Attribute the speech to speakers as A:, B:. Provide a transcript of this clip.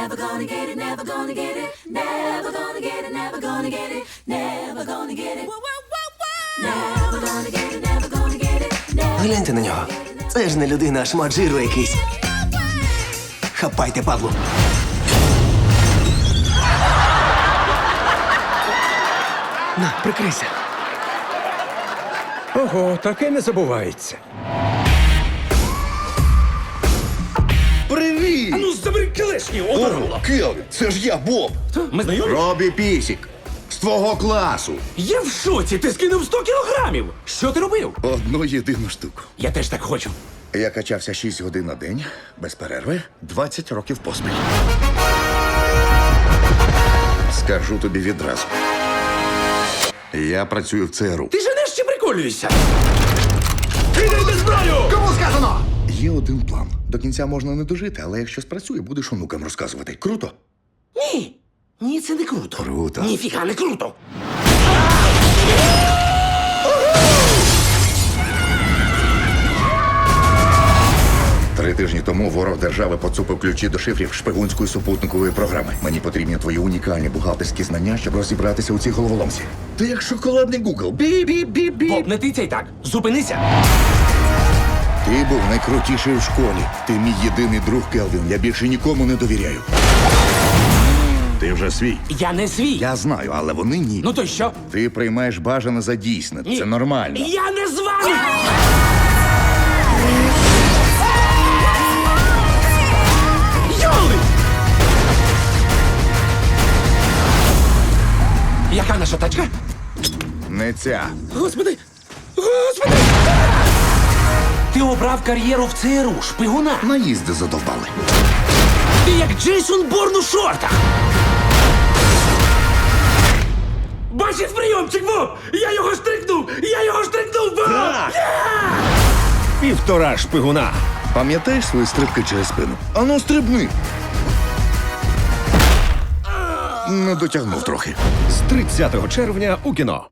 A: never gonna get it, never gonna get it, never gonna get it, never gonna get it, never gonna get it. Never gonna get it, never gonna get it, never.
B: Гляньте на нього. Це ж не людина, а шмат жиру якийсь. Хапайте, Павло. На, прикрийся.
C: Ого, таке не забувається.
D: Привіт!
C: Ну, забери кілешні, оборола.
D: Келвін, це ж я, Боб.
C: Ми знайомі?
D: Робі Пісік. З твого класу.
C: Я в шоці, ти скинув 100 кілограмів. Що ти робив?
D: Одну єдину штуку.
C: Я теж так хочу.
D: Я качався 6 годин на день, без перерви, 20 років поспіль. Скажу тобі відразу. Я працюю в ЦРУ.
C: Ти женеш чи приколюєшся? Кидай зброю!
D: Кому сказано? Є один план. До кінця можна не дожити, але якщо спрацює, будеш онукам розказувати. Круто?
C: Ні. Ні, це не круто.
D: Круто.
C: Ніфіга не круто.
D: 3 тижні тому ворог держави поцупив ключі до шифрів шпигунської супутникової програми. Мені потрібні твої унікальні бухгалтерські знання, щоб розібратися у цій головоломці. Ти як шоколадний Гугл. Бі-бі-бі-бі.
C: Боб, не тицяй так. Зупинися.
D: Ти був найкрутіший в школі. Ти мій єдиний друг, Келвін. Я більше нікому не довіряю. Ти вже свій.
C: Я не свій.
D: Я знаю, але вони ні.
C: Ну то й що?
D: Ти приймаєш бажане за дійсне.
C: Ні.
D: Це нормально.
C: Я не з вами! Йоли! Яка наша тачка?
D: Не ця.
C: Господи! Господи! Ти обрав кар'єру в ЦРУ, шпигуна.
D: Наїзди задовбали.
C: Ти як Джейсон Борн у шортах. Бачив прийомчик, Боб! Я його штрикнув! Я його штрикнув, Боб!
E: Півтора шпигуна.
D: Пам'ятаєш свої стрибки через спину? Ану, стрибни. Не дотягнув трохи.
E: З 30 червня у кіно.